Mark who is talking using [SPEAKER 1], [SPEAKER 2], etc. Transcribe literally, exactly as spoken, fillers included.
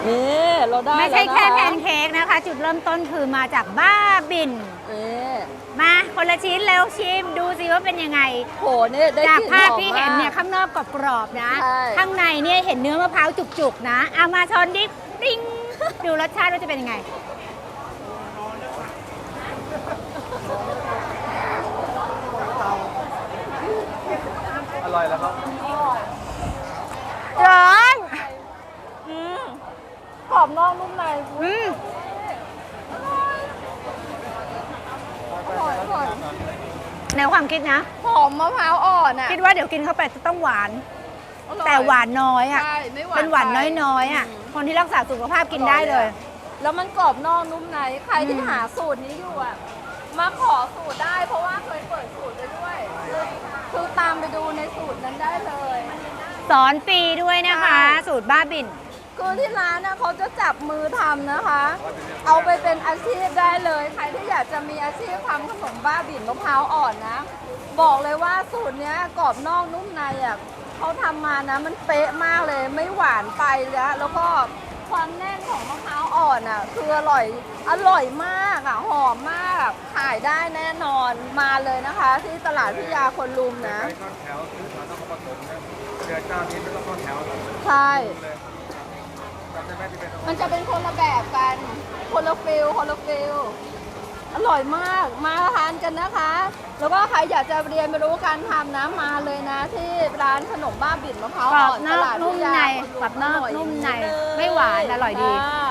[SPEAKER 1] นี่เราได้
[SPEAKER 2] ไม่ใช่แค่แพน
[SPEAKER 1] เค้ก
[SPEAKER 2] เค้กนะคะ จุดเริ่มต้นคือมาจากบ้าบิน มาคนละชิ้นเร็วชิมดูสิว่าเป็นยังไง
[SPEAKER 1] โหเนี่ยได้
[SPEAKER 2] จาก
[SPEAKER 1] กลิ่น
[SPEAKER 2] ภาพ
[SPEAKER 1] หอม
[SPEAKER 2] ที่เห็นเนี่ย
[SPEAKER 1] มาก
[SPEAKER 2] ข้างนอกกรอบๆนะ
[SPEAKER 1] ใช่
[SPEAKER 2] ข้างในเนี่ยเห็นเนื้อมะพร้าวจุกๆนะเอามาชนดิปิ้งดูรสชาติว่าจะเป็นยังไง
[SPEAKER 3] อร่อยแล้วครับ
[SPEAKER 2] ร้อน
[SPEAKER 1] อืมกรอบนอกนุ่มใน
[SPEAKER 2] อืม
[SPEAKER 1] อร่อยอร่อย
[SPEAKER 2] แนวความคิดนะ
[SPEAKER 1] หอมมะพร้าวอ่อนอ่ะ
[SPEAKER 2] คิดว่าเดี๋ยวกินเข้าไปจะต้องหวาน
[SPEAKER 1] อร่อย
[SPEAKER 2] แต่หวานน้อยอ่ะ
[SPEAKER 1] ใช่ไม่หวาน
[SPEAKER 2] เป็นหวาน
[SPEAKER 1] ไป
[SPEAKER 2] น้อยๆอ่ะ คนที่รักษาสุขภาพกินได้เลย
[SPEAKER 1] แล้วมันกรอบนอกนุ่มในใครที่หาสูตรนี้อยู่อ่ะมาขอสูตรได้เพราะว่าเคยเปิดสูตรไปด้วยคือตามไปดูในสูตรนั้นได้เลย
[SPEAKER 2] สอนฟรีด้วยนะคะ
[SPEAKER 1] ใช่
[SPEAKER 2] สูตรบ้าบิน
[SPEAKER 1] คือที่ร้านนะเขาจะจับมือทำนะคะ เอาไปเป็นอาชีพได้เลย ใครที่อยากจะมีอาชีพทำขนมบ้าบิ่นมะพร้าวอ่อนนะ บอกเลยว่าสูตรเนี้ยกรอบนอกนุ่มในอ่ะเขาทำมานะมันเป๊ะมากเลยไม่หวานไปแล้วแล้วก็ความแน่นของมะพร้าวอ่อนอ่ะคืออร่อยอร่อยมากอ่ะหอมมากขายได้แน่นอนมาเลยนะคะ ที่ตลาดพิยาคนลุมนะ
[SPEAKER 3] ใช้ข้าวแถวซื้อมาต้องผสมนะเดือนเจ้านี้ไม่ต้องข้าวแถวเลย
[SPEAKER 1] ใช่
[SPEAKER 3] จำได้ไหมที่เป็น
[SPEAKER 1] มันจะเป็นคนละแบบกัน คนละฟิลคนละฟิลอร่อยมาก มาทานกันนะคะ แล้วก็ใครอยากจะเรียนไปรู้การทำนะมาเลยนะ ที่ร้านขนมบ้าบิ่นมะพร้าว
[SPEAKER 2] กรอ
[SPEAKER 1] อ่
[SPEAKER 2] บ
[SPEAKER 1] อน
[SPEAKER 2] น
[SPEAKER 1] ต
[SPEAKER 2] อก
[SPEAKER 1] ลาด
[SPEAKER 2] นุ่ม
[SPEAKER 1] พิยา
[SPEAKER 2] ใน
[SPEAKER 1] คนลุ
[SPEAKER 2] กรอบนอก
[SPEAKER 1] ร่ย
[SPEAKER 2] นุ่มใน
[SPEAKER 1] เลย
[SPEAKER 2] ไม่หวานอร่อยดี
[SPEAKER 1] จ้า